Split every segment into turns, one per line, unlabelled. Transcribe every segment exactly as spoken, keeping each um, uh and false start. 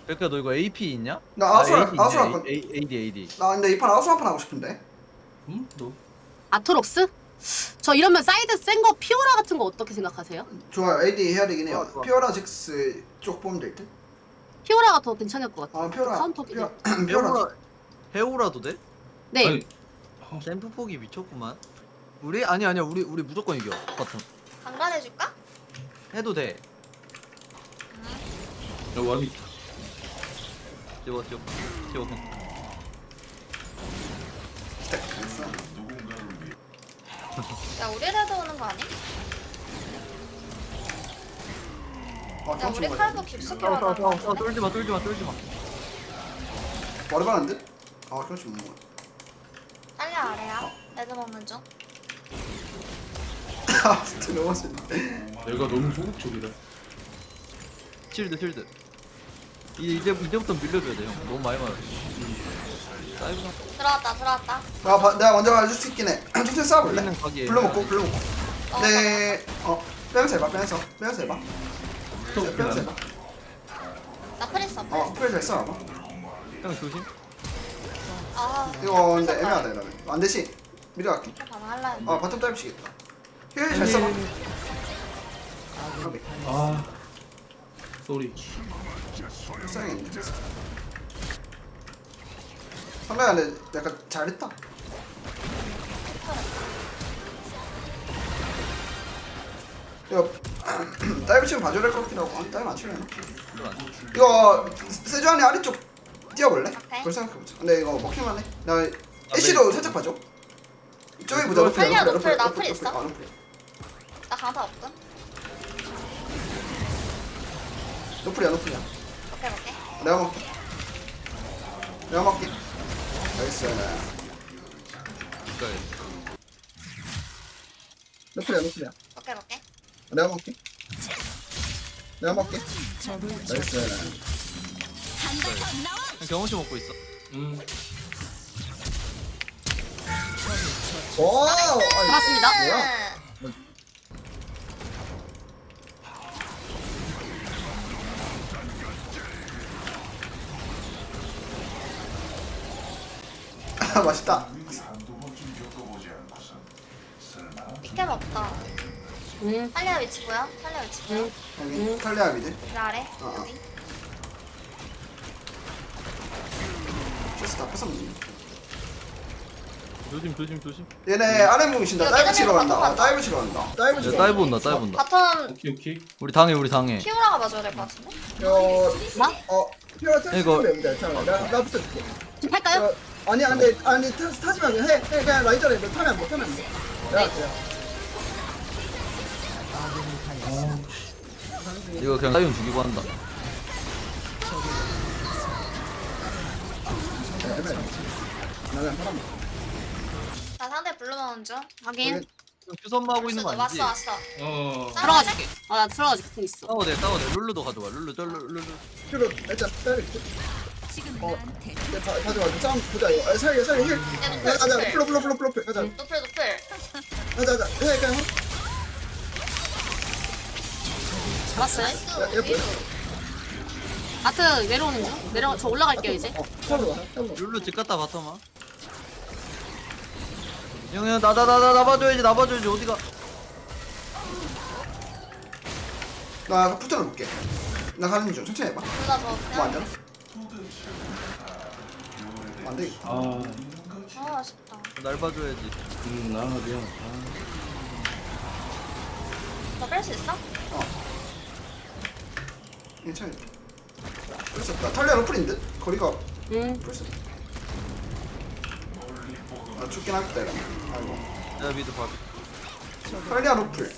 백야 너 이거 에이피 있냐?
나 아수라
에이디 있네.
아수라 건.
에이- 에이디 에이디.
나 근데 이 판 아수라 한 판 하고 싶은데.
응? 너?
아토록스? 저 이러면 사이드 센 거 피오라 같은 거 어떻게 생각하세요?
좋아요. 에이디 해야 되긴 해요.
좋아, 좋아.
피오라 잭스 쪽 보면 될 듯.
피오라가 더 괜찮을 것 같아요.
아 피오라.
카운터
피오라.
기능.
피오라.
해오라 해오라도 돼?
네.
아니, 어,
샘프 폭이 미쳤구만. 우리 아니 아니야 우리 우리 무조건 이겨. 바텀.
강간해줄까?
해도 돼.
야 와비.
찍어 찍어 찍어.
야 우리라도 오는 거 아니?
아,
야
경치
우리
뭐야.
칼도 깊숙이
싸워 싸워 싸워
와나
싸워 쫄지 마 쫄지 마 쫄지 마.
머리 받는 듯? 아 경치 못 먹어.
딸려 아래야 레드 먹는 중
아 진짜 너무 맛있네.
내가 너무 소극적이다.
실드 실드. 이제 이제 이제부터 밀려줘야 돼 형. 너무 많이 맞아. 사이브나
들어왔다 들어왔다
아 바, 내가 먼저 가줄 수 있긴 해. 천천히 싸워볼래?
우리는 가게.
불러 먹고 불러 먹고.
어,
네. 어 빼면서 해봐 빼면서 빼면서 해봐. 빼면서 빼면서 해봐.
나 프리스
어
프리스
프레 잘 싸워봐.
형 조심.
아
이거 근데 애매하다 이러면. 안 되시. 미리 갈게.
반응 할라 했는데
아 바텀 짧으시겠다. 힐잘 써봐. 오케이.
아, 쏘리.
불쌍했네. 상대가 근데 약간 잘했다. 이거 다이브 치면 봐줘야 될 것 같긴 하고. 아니 다이브 안 치려나? 이거 세주안이 아래쪽 뛰어볼래?
오케이.
그걸 생각해보자. 근데 이거 먹힐만 해. 나 애쉬도 살짝 봐줘. 저기 보자.
노플,
노플,
살려,
노플,
노플, 나
노플,
풀
노플.
있어?
아, 노플.
나 강타 없음
노플이야 노플이야.
오케이 오케이
내가 먹게. 내가 먹게. 나이스.
그래.
노플이야 노플이야.
오케이 오케이
내가 먹게. 내가 먹게. 나이스.
형 경험치 먹고 있어.
음.
오.
잡았습니다.
뭐야? 아 맛있다.
피켓 없다
음.
탈리아 위치 보여? 탈리아 위치 보여?
음.
여기 탈리아 미드.
그 아래
어, 어.
여기
그래서 다 뺏었네.
조심 조심 조심.
얘네 아래 뭉친다.
이거
다이브
계단
치러
내려가,
간다. 아,
넘어간다.
다이브 치러 간다. 다이브
야,
치러.
다이브 온다 다이브 온다.
바텀
오케이 오케이.
우리 당해 우리 당해.
피오라가 봐줘야 될 것 같은데?
어,
나?
어, 피어라
이거-
탈수 됩니다. 잠깐, 나 나 붙여줄게.
지금 할까요?
어, 아니, 안돼, 아니 타, 타지 말고 해, 해, 그냥 라이저래. 너 타면 안 돼, 타면 안 돼. 내가 할게요.
이거 그냥 사이온 죽이고 한다.
네, 애매해. 나 그냥 사람.
나 상대 블루 먹는 중
확인.
형 큐선마 하고 있는 거
왔어
아니지?
왔어
어.
들어가줄게. 아, 나 들어가줄게. 공 있어.
싸워대 싸워대. 룰루도 가져와. 룰루 저 룰루 룰루.
피로 일단 때릴게. 어, 네, 다 가져가. 싸움 보자 이거. 아, 살려, 살려, 힐.
노플,
가자, 가자.
노플.
플로, 플로, 플로, 플로, 가자.
노플 노플
가자, 가자. 해, 그냥.
잡았어요.
나이스
야, 옆에.
위로
아트 내려오는 중. 내려, 저 올라갈게요, 이제.
어, 서로 와, 서로.
룰루 집 갔다 봤더만. 형형 나나 나 나 나봐줘야지 나봐줘야지 어디가?
나 붙들어 볼게. 나 가는 중. 천천히 해봐.
둘다 저
뭐 안
그냥
되나? 안 되겠다.
아,
아 아쉽다
날 봐줘야지.
음, 나 미안.
너 뺄 수 있어?
괜찮아. 벌써 나 탈리아 로플인데 거리가
음.
벌써. 아 죽긴 하겠다 이거. 아이고.
내가 미드 봐.
탈리아 로플.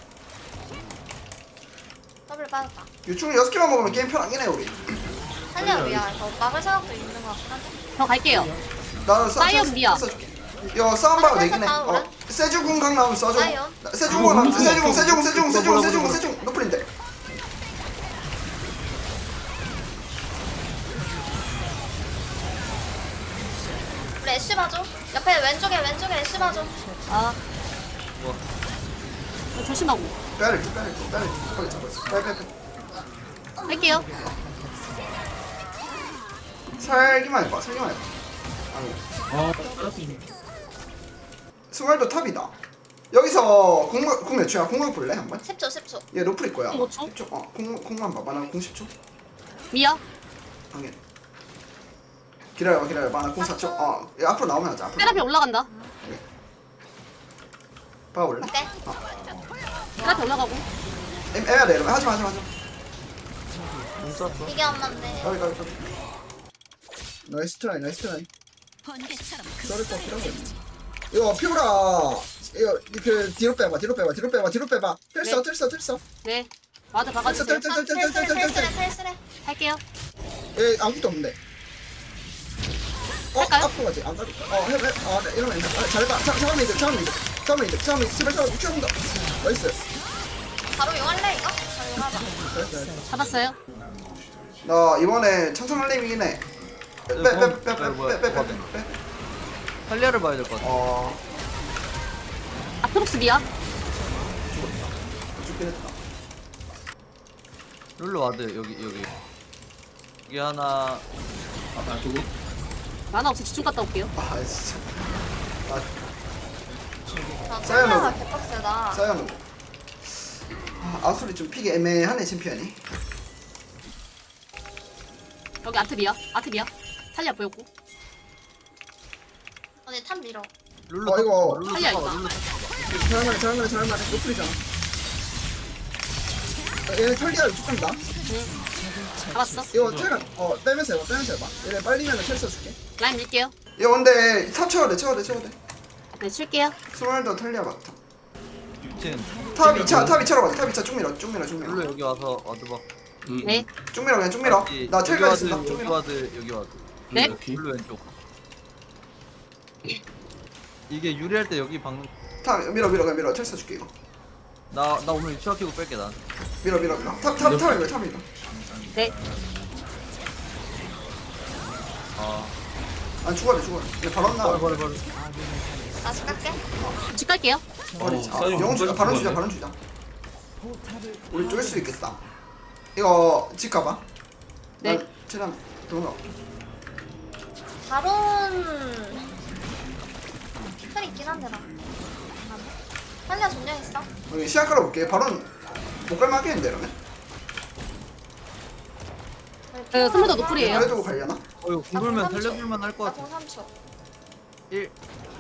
더블 빠졌다
유충 여섯 개만 먹으면 게임 편하긴 해 우리.
탈리아 위야 더 막을 생각도 있는 것 같긴 한데
저 갈게요.
나는
사이언 미야.
써줄게. 이거 싸움 봐도 되긴 해.
사이언
어, 세주궁 강 나오면 써줘.
사이언.
나- 세주궁 나오면 세주궁 세주궁 세주궁 세주궁 세주궁 세주궁 노플인데.
우리 애쉬 봐줘 옆에 왼쪽에 왼쪽에 애쉬 봐줘
아,
뭐
조심하고.
빼야돼 빼야돼 빼야돼. 빨리 잡았어. 빨리 빨리 빨리.
할게요.
살기만 해봐 살기만 해봐 아니
아 알았습니다.
스왈도 탑이다 여기서 공각 공 몇 초야? 공각 볼래 한번?
십 초 십 초.
얘 노플일 거야
공 오 초?
십 초? 어 공, 공만 봐봐 나 공 십 초
미야.
당연 기다려봐 기다려봐 나 공 사 초 어 얘 앞으로 나오면 하자 앞으로
테라피 올라간다.
봐볼래?
네.
테라피 올라가고.
애, 애매하다 이러면 하지마 하지마 하지마
공 쐈어.
이게 엄마인데.
가비 가비 가비 나이스 트라이 나이스 트라이 썰을 거 필요하고 이거 피오라 이거 그 뒤로 빼봐 뒤로 빼봐 뒤로 빼봐 뒤로 빼봐 텔써
네.
텔써 텔써
네. 와드
텔써
박아주세요.
텔써
아,
텔써
텔스레
텔써 텔써
텔스레 텔스레.
할게요.
얘 아무것도 없는데 어?
할까요?
앞으로 가지 안 가도 어 해봐 아 네, 이러면 돼. 아, 잘해봐 자, 잠깐만 이제 잠깐만 이제 잠깐만 이제 잠깐만 이제 제발 잠깐만 미쳐본다 나이스
바로 용할래 이거? 바로 용하자.
잘했어 잘했어
잡았어요.
나 이번에 천상할림이긴 해
네, 뭐야, 뭐야.
빼빼빼빼빼빼빼빼
탈리아를 봐야 될 것 같아.
어
아트록스 미야.
죽긴 했다
룰루 와드 여기 여기. 여기 하나.
아 저거
만화 없어 집중 갔다 올게요.
아 진짜 아
아,
사연은-
찰나가 개빡세다.
사연 아, 아수리 좀 픽이 애매하네 챔피언이
여기 아트 미야. 아트 미야. 탈리아 보였고.
언니 탑 밀어.
룰루.
어,
탑
이거-
봐봐, 룰루
탈리아
탑 봐봐,
이거.
룰루 탑 봐봐.
잘만해 잘만해 잘만해 노플이잖아 어, 얘네 털리아 쭉 간다
잡았어.
이거 텔 어 빼면서 해봐 빼면서 해봐 얘네 빨리면 텔 써줄게
라인 밀게요.
이거 근데 탑 채워야 돼 채워야 돼 채워야 돼
네 칠게요.
스몰더 털리아 맞다
지금
탑 이 차 탑 이 차로 가자 탑 이 차 쭉 밀어 쭉 밀어 쭉 밀어
룰루 여기 와서 와드 봐.
음,
네.
쭉 밀어 그냥 쭉 밀어
여기
나 텔까지
와드,
쓴다 쭉
여기
밀어
와드 여기 와드.
네.
이렇게.
룰루 왼쪽. 이게 유리할 때 여기 박는.
탑 밀어 밀어 그냥 밀어 텔 써줄게 이거
나나 오늘 유치원 키고 뺄게 난.
밀어 밀어 밀어 탑탑 탑 밀어 탑 밀어
네.
아.
아 죽어야 돼 죽어야 돼 바로 나와
버려 버려 버려.
다시 깎게.
집 갈게요.
버리지 아,
사이언
영웅 주자
끝까지
바론 주자
죽었네.
바론 주자 우리 쫄 수 있겠다 이거 집 가봐
네.
최대한 도망가
바론 털 있긴 한데 나. 탈리아 존녕 있어.
여기 시야 깔아볼게 바론 못 갈만하겠는데 이러면
그 스무더 노플이에요.
그래도 갈려나?
어 이거 궁돌면 살려줄만 할 것 같아.
공 삼 초.
일.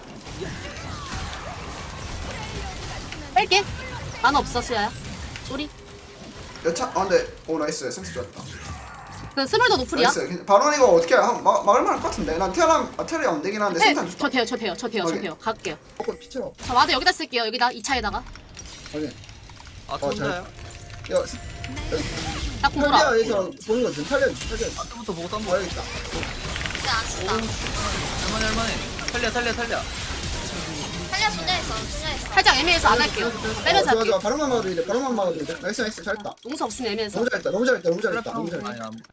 뺄게. 만화 없어 수야야. 쏘리.
여차? 아 근데 오 나이스 센스 좋았다
그 스물더 노플이야.
나이스 바론 이거 어떻게 해? 한 마, 막을만 할 것 같은데 난 테라 아, 테라 안 되긴 하는데
네.
센탄
저
좋다
돼요. 저 돼요. 저 돼요. 저
오케이.
돼요. 갈게요.
어 피치러
저 와드 여기다 쓸게요. 여기다 이 차에다가.
오케이
아
어,
혼자요?
야
나 공돌아.
탈리아에서 보는 거지 탈리아 탈리아
아트부터 보고 딴
어
거.
여기 있다
근데 안 친다.
할만해 할만해. 탈리아 탈리아 탈리아.
탈리아 존녕 있어. 존녕 있어.
살짝 애매해서 안 할게요. 빼면서
어, 좋아
할게요.
좋아 바론만 막아도 돼 바론만 막아도 돼 나이스 나이스 잘했다
용서 없으면 애매해서.
너무 잘했다 너무 잘했다 너무 잘했다
탈리아
너무
아니
잘했다
안.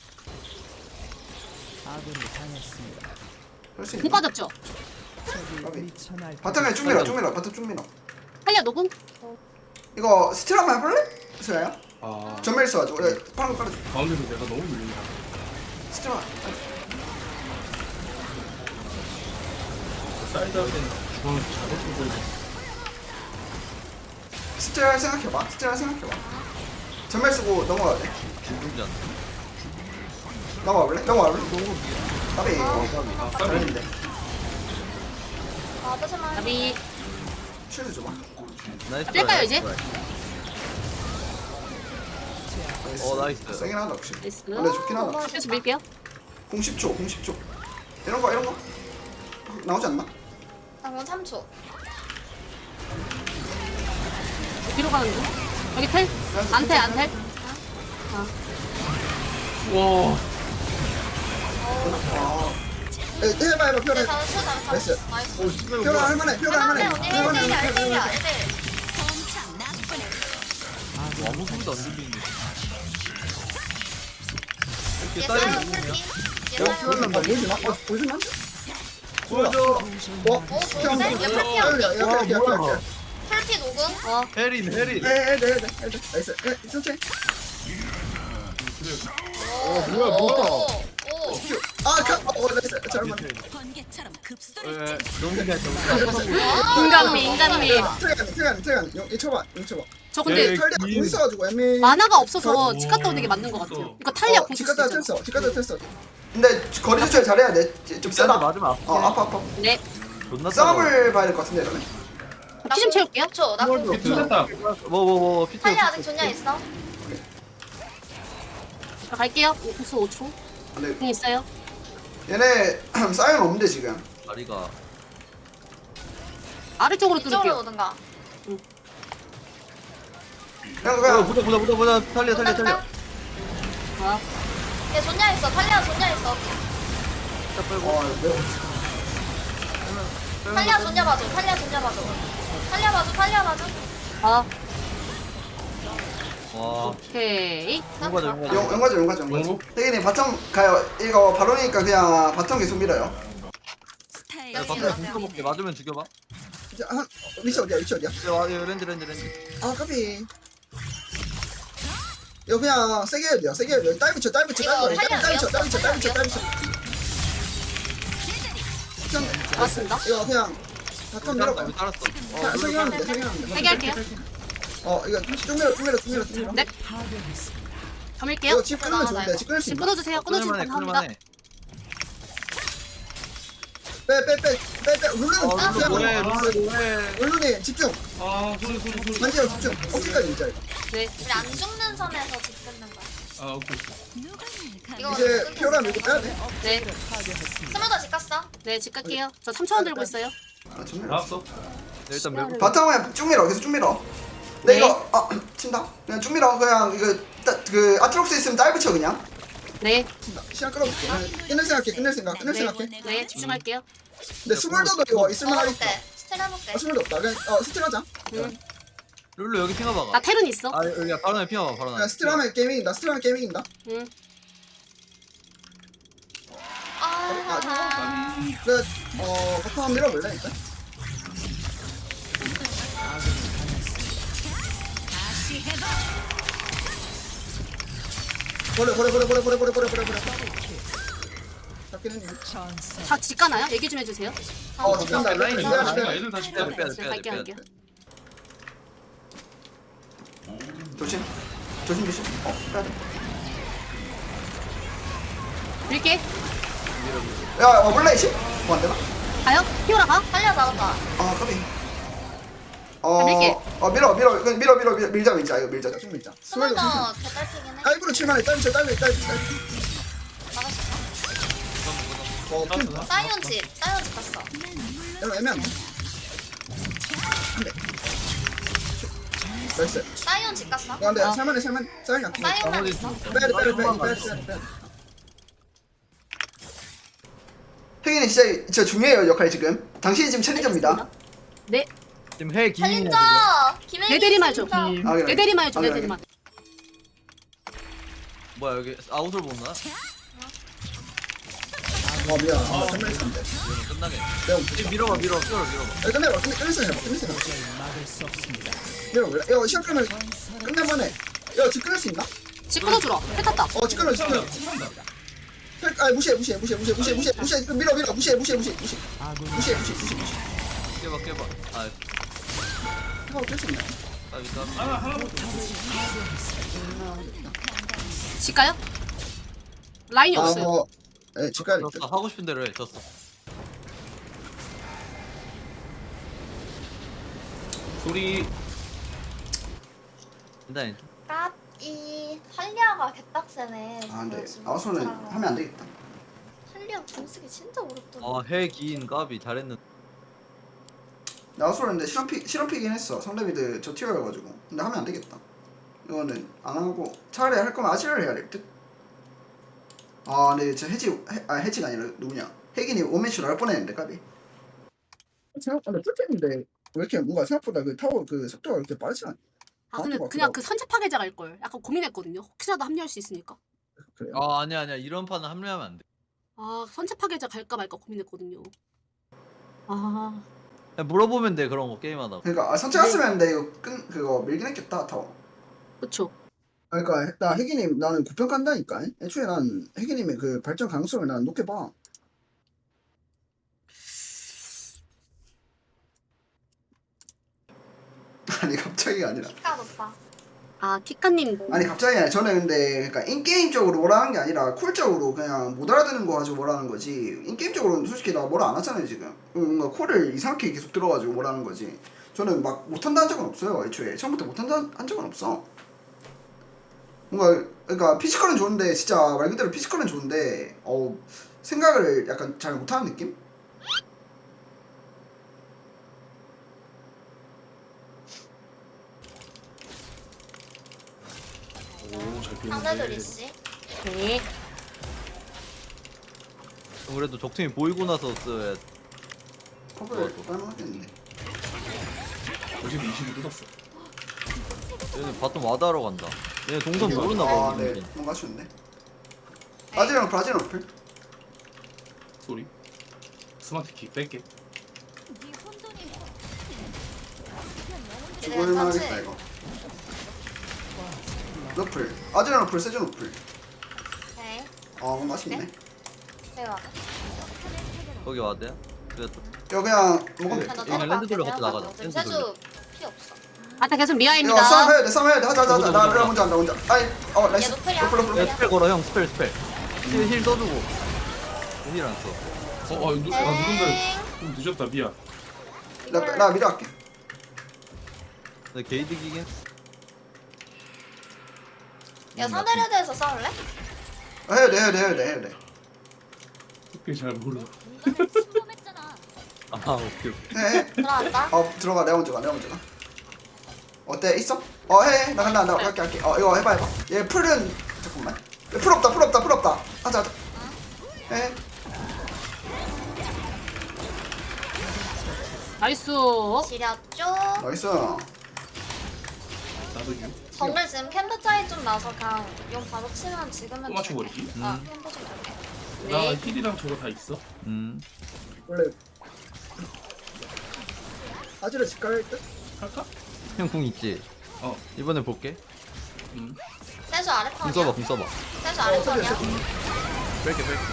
할수
공
있나?
빠졌죠?
바탕에 쭉 밀어 쭉 밀어 바탕 쭉 밀어
탈리아 녹음?
이거 스틸 한번 해볼래? 스야야?
아
전멸 써가지고 그래 파란 거 깔아줘
가운데서 내가 너무 밀린다.
스틸 한
사이드 할 때는 중앙에서 잘했을 거야.
스틸 생각해봐 스틸 생각해봐 전멸 쓰고 넘어가야 돼
죽지 않나.
넘어가 볼래? 넘어가 볼래? 까비
아
잘했는데
아, 하지만.
나비.
쉴드 줘봐
나이스.
뺄까요,
트라이,
이제?
트라이.
나이스.
어, 나이스.
세긴 하다 역시
나이스.
근데 좋긴 하다
그래서 밀게요.
공 십 초 공 십 초 이런 거 이런 거 나오지 않나?
나공 삼 초.
뒤로 가는 중. 여기 텔? 안텔 안텔?
와
아 에, 해봐 해봐
네,
표현
잡았어, 잡았어.
나이스.
나이스.
표현 할만해 표현 할만해
언니
할만해
일 대 일이야, 일 대 일이야,
할만해
일 대 일.
뭐 아무 소리도 안 들리는데.
얘
이렇게
사이언
쌓이는
풀피.
거냐?
얘
어?
사이언.
보여주나? 아, 보여주나? 어, 보여주나?
보여줘.
어?
오, 좋은데? 얘 풀피
야,
언니.
야, 야, 야, 야, 야, 야.
풀피 녹음.
어.
해린 해린.
에, 에, 네, 네, 네, 네. 나이스. 에, 천천히.
오,
뭐야, 뭐야.
오, 오.
큐. 아, 어 나이스 잘만
번개처럼 급소리
왜
치
너무 괜찮아.
인간미 인간미.
트레간 트레간 트레간 용 쳐봐 용 쳐봐
저 근데
예.
탈리아 공 있어가지고 애매
만화가 없어서 집 갔다 오는 게 맞는 것 같아요. 이거 탈리아 공수
집 갔다
있잖아.
쳤어 집 갔다 쳤어 근데 거리 조절 잘해야 돼좀
쟤한테
세다
맞으면 아프긴
어
해.
아파 아파
네.
존나
싸움을 봐야 될 것 같은데 이러면
피 좀 채울게요.
초 나공 구 초.
tus했다.
뭐뭐뭐 피트.
탈리 아직 존냐 있어.
자, 갈게요. 공수 오 초.
근데
공 있어요.
얘네 사이언 없는데 지금
다리가
아래쪽으로
이쪽으로
뚫을게요.
오든가.
그냥
어,
그냥
보자 보자 보자 보자 탈리아 탈리아 탈리아.
아,
얘 존냐 있어. 탈리아 존냐 있어.
자 빼고.
어 매워
탈리아 존냐 봐줘. 탈리아 존냐 봐줘. 탈리아 봐줘. 탈리아 봐줘.
아,
와.
오케이.
용가자 용가자.
용 용가죠 용가죠 용가죠
용?
태균이 바텀 가요 이거 바로니까 그냥 바텀 계속 밀어요
스타일
야 밖에 공터 먹게 맞으면 죽여봐.
이제 한 위치 어디야 위치 어디야
이제 와 이거 렌즈 렌즈 렌즈.
아 까비 이거 그냥 세게 해야 돼요 세게 해야 돼요 다이브 쳐 다이브 쳐
이거
다이브 쳐
탈리아
다이브 쳐 다이브 쳐 다이브 쳐
이었어.
다이브 쳐 그냥
맞습니다.
이거 그냥 바텀 밀어봐요
우리 따랐어.
사- 세게 하면 돼 세게 하면
세개 할게요.
돼어 이거 쭉 밀어 쭉 밀어 쭉 밀어 쭉 밀어
네. 감을게요.
이거 집 끊으면 좋은데 집 끊을 수
집
있나?
끊어주세요. 끊어주면
끊을만해
감사합니다.
끊을만해.
빼빼빼빼빼 룰루는
어 룰루 뭐해
집중
룰루 뭐해.
룰루님 집중
아 소리 소리 소리.
만지형 집중 어깨까지 진짜 이거
네.
우리 안 죽는 선에서 집 끊는 거야.
아 오케이.
누가 날
이거
이제 피오라 밀고 빼야 돼
네.
스물더 집 갔어.
네, 집 갈게요. 저 삼천 원 들고 있어요.
아, 좀 밀어.
나왔어.
네, 일단 매고.
바텀 그냥 쭉 밀어 계속 쭉 밀어 근데
네.
이거 아 친다 그냥 쭉 밀어 그냥 이거 따, 그 아트록스 있으면 다이브 쳐 그냥
네.
친다. 시간 끌어볼게 끝낼 생각해 끝낼 생각 끝낼
네.
생각해
네, 집중할게요.
근데 스물더도 이거 있을만
먹어볼
하겠다
때. 스텔 해볼게.
아 스물더 없다 그냥 어 스틸 하자
음.
룰루 여기 핑하
나
봐봐.
테른 있어.
아 여기 바로 핑하 봐 바로 나.
그냥 스틸 하면 게이밍 이긴다 스틸 하면 게이밍 이긴다
응.
아.
그어 바텀 한번 밀어볼래 일단 버려 버려 버려 버려 버려 버려 버려 버려 버려 잡긴 했네
다 집 가나요? 얘기 좀 해주세요.
어 집간다
라인
라인
있어.
빼야 돼, 빼야 돼.
애들 다시
빼야
빼야
돼 빼야 돼
네,
빼야 돼
갈게요,
빼야 돼.
갈게요.
조심 조심 조심 어 빼야 돼
밀게.
야, 어, 몰래 십? 뭐 안 되나?
가요? 피오라 가?
탈리아 잡았다.
아, 까비. 어,
밀게.
어, 밀어, 밀어, 그냥 밀어, 밀어, 밀어, 밀자, 밀자, 이거 밀자, 쭉 밀자. 스물도
스물더 개딸피긴 해.
다이브로 칠만해, 다이브 쳐, 다이브, 다이브, 다이브.
막았어.
어, 핀.
사이온 집. 사이온 집 갔어.
이거 애매한데? 한 대. 나이스.
사이온 집 갔어.
야, 근데
어.
살만해, 살만, 살만 안 돼.
사이온만
나머지
있어.
빼야 돼, 빼야 돼, 빼야 돼, 빼야 돼, 빼야 돼, 빼야 돼. 혜gin이 진짜, 진짜 중요해요, 역할이 지금. 당신이 지금 챌린저입니다.
네.
지금 해 기인이야
챌린저.
지금.
김혜기.
내 대리만 줘.
챌린저.
아, 그래.
내 대리만 줘.
아,
내
그래,
대리만.
뭐야 여기 아웃을 못 나?
어, 미안. 아, 정말 있었는데.
이러면 끝나게.
내가
지금 밀어봐 밀어 밀어 밀어봐.
야, 끝내봐, 끝내, 끝내서 해봐, 끝내서 해봐. 밀어볼래? 야, 시간 끄면 끝내면 해. 야, 집 끊을 수 있나?
집 끊어주라. 해 탔다.
어, 집 끊어, 집 끊어. 아, 무시해, 무시해, 무시해, 무시해, 무시해, 무시해, 무시해, 밀어, 밀어, 무시해, 무시해, 무시해, 무시해, 무시해, 무시해, 무시해, 무시해.
깨봐 깨봐. 아
하고 깰수 있나?
아 일단.
하나 하나.
집 가요? 라인이
아,
없어요.
뭐, 예, 집 가야 돼.
졌어 하고 싶은 대로 해 졌어.
소리.
일단
까이 탈리아가 개빡세네.
아, 근데
지금
아웃소는
진짜.
하면 안 되겠다.
탈리아 공쓰기 진짜 어렵더라.
아해 기인 까비 잘했는데.
아웃소는데 실험픽 실험픽이긴 했어. 상대미드 저 티어여가지고. 근데 하면 안 되겠다. 이거는 안 하고 차라리 할 거면 아시를 해야 될 듯. 아, 근데 저 해지 해, 아 해지가 아니라 누구냐? 혜gin이 원매치로 할 뻔했는데 까비. 생각보다 뚫겠는데 왜 이렇게 뭔가 생각보다 그 타워 그 속도가 이렇게 빠르지 않아?
아 근데
어,
그냥
어.
그 선체 파괴자 갈 걸. 약간 고민했거든요. 혹시라도 합류할 수 있으니까.
그래요?
아 아니야 아니야 이런 판은 합류하면 안 돼.
아 선체 파괴자 갈까 말까 고민했거든요. 아
그냥 물어보면 돼 그런 거 게임하다가.
그러니까 아, 선체 갔으면 근데 이거 끈 그거 밀긴 했겠다 타워.
그쵸.
그러니까 나 혜gin님 나는 구평 간다니까. 애초에 난 혜gin님의 그 발전 가능성을 난 높게 봐. 아니 갑자기가 아니라
키가 높아.
아 키카님
아니 갑자기 아니라 저는 근데 그러니까 인게임적으로 뭐라는 게 아니라 쿨적으로 그냥 못 알아듣는 거 가지고 뭐라는 거지 인게임적으로는 솔직히 나 뭐라 안 하잖아요 지금 뭔가 콜을 이상하게 계속 들어가지고 뭐라는 거지 저는 막 못한다 한 적은 없어요 애초에 처음부터 못한다 한 적은 없어 뭔가 그러니까 피지컬은 좋은데 진짜 말 그대로 피지컬은 좋은데 어 생각을 약간 잘 못하는 느낌?
오잘
상대도
피했는데.
리씨.
네
그래도 적팀이 보이고 나서 써야
컵을 빨만하겠는데
어제도 이십이 뜯었어.
얘는 바텀 와다하러 간다. 얘네 동선 모르나 봐.
아, 네. 뭔가 아쉬운데. 아지랑 어플, 아지랑 어플.
소리. 스마트 키 뺄게.
네 혼돈이
죽을만 하겠다, 이거. 어플. 아지랑 어플, 세준 어플.
네.
아, 뭔가 아쉽네.
제가.
거기 와대야? 그래도
이거 그냥 먹으면
네.
돼.
나
그냥 랜드 돌려 같이 나가자.
지금
랜드
세주
돌려.
피 없어.
아까 계속
이거
미아입니다.
싸움 해야 돼, 싸움 해야 돼. 하자, 하자, 하자.
보자,
나,
보자,
나
보자.
혼자 한다, 혼자. 아이, 어, 나이스.
얘 노플이야.
어플, 어플,
야
어플.
스펠 걸어 형 스펠 스펠. 힐, 힐 써주고. 힐 안 써.
어, 아, 누, 아 누군가 좀 늦었다 미안.
나, 나 미리 할게.
근데 게이득이긴.
야 상대 레드에서 싸울래?
아, 해야 돼, 해야 돼, 해야 돼, 해야 돼.
특별히 잘 몰라.
침범했잖아.
아 오케이 오케이.
해, 해.
들어간다.
어, 들어가. 내가 먼저 가, 내가 먼저 가. 어때? 있어? 어, 해, 해. 나 간다, 나 갈게, 갈게. 어, 이거 해봐, 해봐. 얘 풀은, 잠깐만. 얘 풀 없다, 풀 없다, 풀 없다. 하자, 하자. 해.
나이스.
지렸죠.
나이스.
나도 유.
정글 지금 캠프 차이 좀 나서 그냥 용 바로 치면 지금은
또 맞춰버리기?
아 캠프 좀 볼게.
나
네.
힐이랑 저거 다 있어.
음.
원래 아지를 집 갈 듯?
할까?
형 궁 있지.
어.
이번에 볼게.
음.
세주 아래
궁
턴이야.
써봐 궁 써봐.
세주 아래 턴이야.
뺄게 뺄게.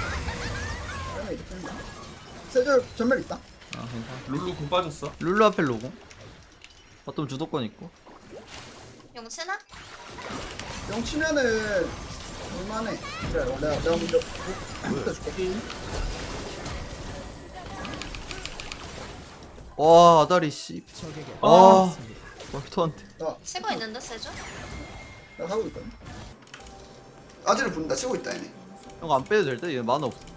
세줄 전멸 있다.
아 괜찮아.
룰루 공 빠졌어.
룰루 앞에 로고. 바텀 주도권 있고.
용 치나?
영 치면은 얼마네. 그래, 내가 내가 먼저 부터 줄게.
와 아다리 씨. 아. 말토한테.
나
치고 있는데 세주?
내가 하고 있거든. 아지를 부른다. 치고 있다 얘네.
형 안 빼도 될 때? 얘 만화 없어.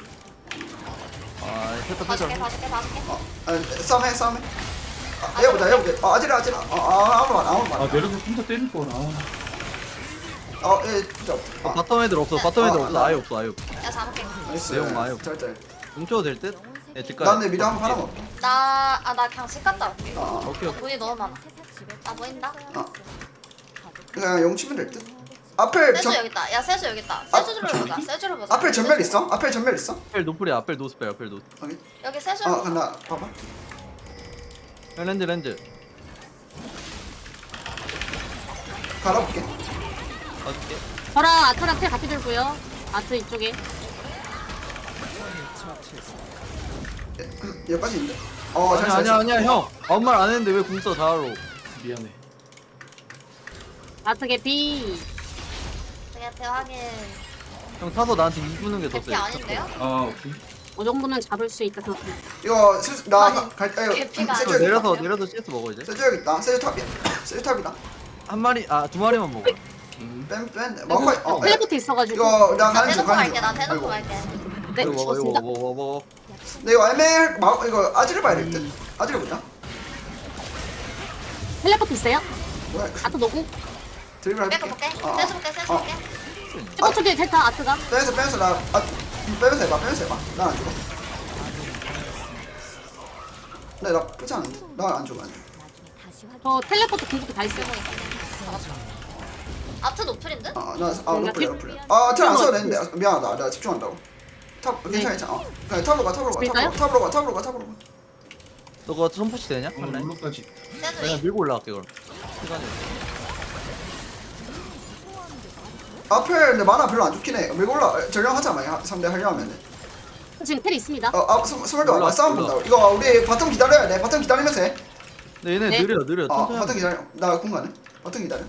아 패터
봐줄게
패터.
봐줄게 봐줄게.
어, 아, 싸움해, 싸움해. 아, 해보자, 해보자. 어, 아지라, 아지라. 어, 아, 아무 말, 아무 말.
아 내려서 혼자 때릴 거라.
어, 예, 진짜.
어,
아,
바텀 애들 없어. 바텀 애들
아,
없어. 아예 없어. 아예 없어.
야 잡을게.
나이스.
내용 많이 없-
잘, 잘.
뭉쳐도 될 듯? 예, 뒷가에.
나 근데 미리 한번 하나 먹게.
나아 나 그냥 집 갔다 올게.
아, 아.
오케이 오케이.
돈이 너무 많아. 나 보인다.
아. 그냥 영 치면 될 듯. 앞에
세주
전,
여기 있다. 야 세주 여기 있다.
아,
세주를 보자. 세주를 보자.
앞에 전멸 있어? 앞에 전멸 있어?
앞에 노플이야. 앞에 노스펠. 앞에 노스.
여기.
여기 세주.
어, 간다. 봐봐.
형 렌즈 렌즈.
갈아볼게.
봐줄게.
저랑 아트랑 텔 같이 들고요. 아트 이쪽에.
예, 여기까지 있는데. 어, 잘,
아니야
잘,
아니야
잘.
아니야 형. 아무 말 안 했는데 왜 궁 써 자로.
미안해.
아트 개피.
되게 확인.
형 사서 나한테 이부는 게 더
개피
세.
아닌데요?
아 오케이.
이 정도면 잡을 수 있다 생각합니다.
이거 슬, 나
아니,
갈, 아, 이거
개피가
세주
형
여기
내려서
있다.
내려서 씨에스 먹어 이제.
세주 여기 있다. 세주 탑이야. 세주 탑이다.
한 마리 아 두 마리만 먹어.
음.
뺀, 뺀. 먹고, 어,
텔레포트 있어가지고.
이거 나
나
가는 중,
대놓고
가는
갈게.
중.
나 대놓고
아이고.
갈게.
네,
이거 먹어 이거
좋습니다.
먹어 먹어 먹어.
근데 이거 애매할 마, 이거 아지를 봐야 될 듯. 아지를 보자.
텔레포트 있어요?
뭐야?
아트 노구.
드리블 할게.
빼고 볼게.
어, 어.
세주 볼게. 세주
어.
볼게.
텔레포트 뒤에 텔타 아트가.
빼면서 빼면서 나 아, 빼면서 해봐. 빼면서 해봐. 난 안 죽어. 네, 나 나쁘지 않은데. 난 안 죽어. 안 죽어.
저 텔레포트 궁극기 다 있어요.
아트 노플인데?
아, 나, 아,
뭔가
러플이야,
팁-
러플이야. 아, 텔안 써도 되는데. 아, 미안하다. 내가 집중한다고. 탑, 괜찮아,
네.
괜찮아. 어. 그냥 탑으로 가, 탑으로 가,
밀까요?
탑으로 가, 탑으로 가, 탑으로 가.
너가 선푸시 되냐?
어, 룰루까지.
세주
내가
이.
밀고 올라갈게 그럼. 시간이.
앞에 근데 만화 별로 안 좋긴 해. 밀고 올라, 전령하자, 만약 상대 하려 하면은.
지금 텔 있습니다.
어, 아, 스- 스물도 와봐.
올라,
싸움
올라.
본다고. 이거 우리 바텀 기다려야 돼. 바텀 기다리면서 해.
근데 얘네
네.
느려 느려.
어
천천히
바텀
하면
기다려. 나 공간은 바텀 기다려.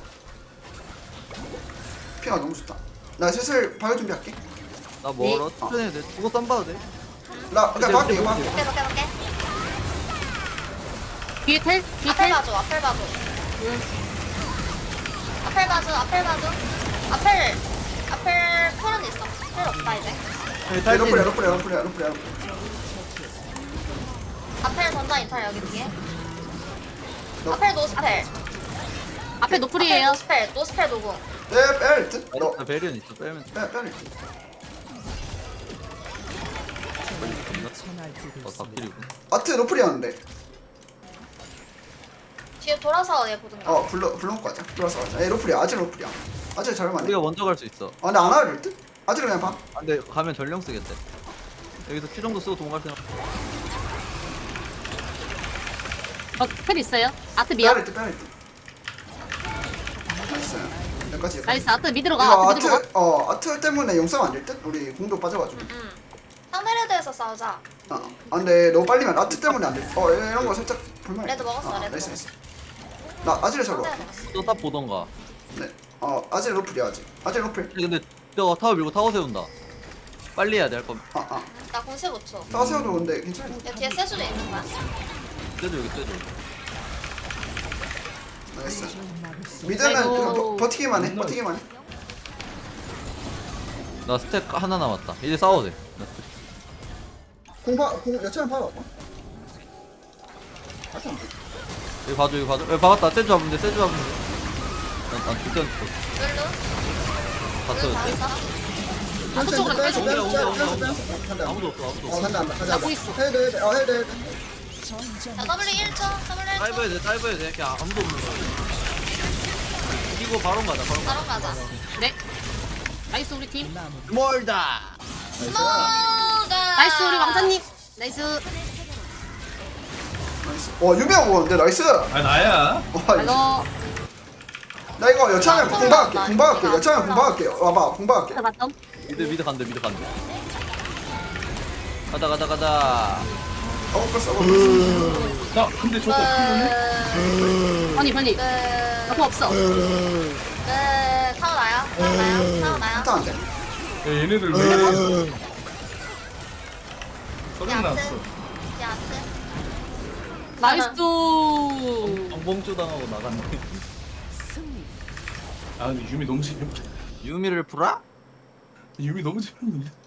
피가 너무 좋다. 나 슬슬 발효 준비할게.
나 멀어.
네.
천천히 해도 돼. 죽어 쌈 봐도 돼.
나 그냥 막게 이거 막게.
볼게 볼게 볼게.
뒤에 텔? 뒤에
앞을
텔?
봐줘 앞을 봐줘.
응.
앞을 봐줘 앞을 봐줘. 앞을 앞을 털은 있어. 필요 없다 이제.
여기
야, 로플이야
탈진.
로플이야 로플이야 로플이야 로플.
앞을 던져 인탈 여기 뒤에.
너-
앞을 노스펠.
앞에
앞을
노플이에요.
노스펠 노스펠 노공.
네, 빼야 듯? 너
나 베리언 있어. 빼면 돼.
빼, 빼야 돼.
어, 다 필이고.
아트 로플이었는데.
뒤에 돌아서 얘 보든가.
어 불러 불러놓고 가자. 들어와서 가자. 에 로플이야. 아직 로플이야. 아직 잘하면 안 돼.
우리가 먼저 갈 수 있어.
아 근데 안 와야 될 듯? 아직 그냥 봐.
아, 근데 가면 전령 쓰겠대. 여기서 큐 정도 쓰고 도망갈 생각.
어, 텔 있어요. 아트
빼야
미야.
될 듯, 빼야 될 듯. 나이스. 여기까지.
나이스, 아트 미드로
이거
가. 아트 미드로 가.
아트 어 아트 때문에 용싸움 안될 듯? 우리 공도 빠져가지고.
응. 상대 레드에서 싸우자.
어. 아 근데 너무 빨리면 아트 때문에 안 돼. 어 이런 거 살짝 볼만.
레드 먹었어, 레드
나이스
먹었어.
나이스. 나 아지를 잡아.
상대 먹었어.
또탑 보던가.
네. 어 아질 로플이야 아직. 아질 로플.
근데 저 타워 밀고 타워 세운다. 빨리 해야 돼 할 거면.
아 아.
나 공 십오 초.
따세워도 근데 괜찮아.
야 뒤에 세수도 있는 거야.
떼줘 여기 떼줘.
나이스. 미드는
아이고.
그냥 버, 버티기만 해. 버티기만 해.
나 스택 하나 남았다. 이제 싸워도 돼. 나
공파 공 여차는 봐봐.
여기 봐줘 여기 봐줘. 여기 봐봤다. 세주 잡으면 돼. 세주 잡으면 돼. 난난 죽겠어.
룰루.
봤어.
룰루 다 했어.
아트 쪽으로 빼줘.
온다, 온다, 온다, 온다.
간다.
아무도 없어 아무도
어
없어.
간다 간다 가자.
나고 있어.
해야 돼 해야 돼. 어 해야 돼 해야 돼.
자 W 일 초. W 일 초.
다이브 해야 돼 다이브 해야 돼. 그냥 아무도 없는 거야. 이거 바로 가자 바로 가자.
바로 가자.
네. 나이스, 우리 팀.
멀다.
스모가.
나이스, 우리 왕자님. 나이스.
나이스. 와 유명 오는데 나이스.
아 나야.
와
알로.
나 이거 여차면
나
공박할게.
올라온다.
공박할게.
올라와.
여차면 공박할게. 와봐 공박할게.
아트 바텀.
미드 미드 간대 미드 간대. 가자 가자 가자.
어 끌었어. 어,
나 근데 저거 어떻게
빨리, 빨리.
네.
아프 없어.
네. 타워 나야. 타워 나야. 타워 나야.
일단 안 돼.
보내? 야, 얘네들 왜 소리 났어.
야트.
나이스.
엉봉주 당하고 나갔네.
아 근데 유미 너무 재밌다.
유미를 풀어?
유미 너무 재밌는데.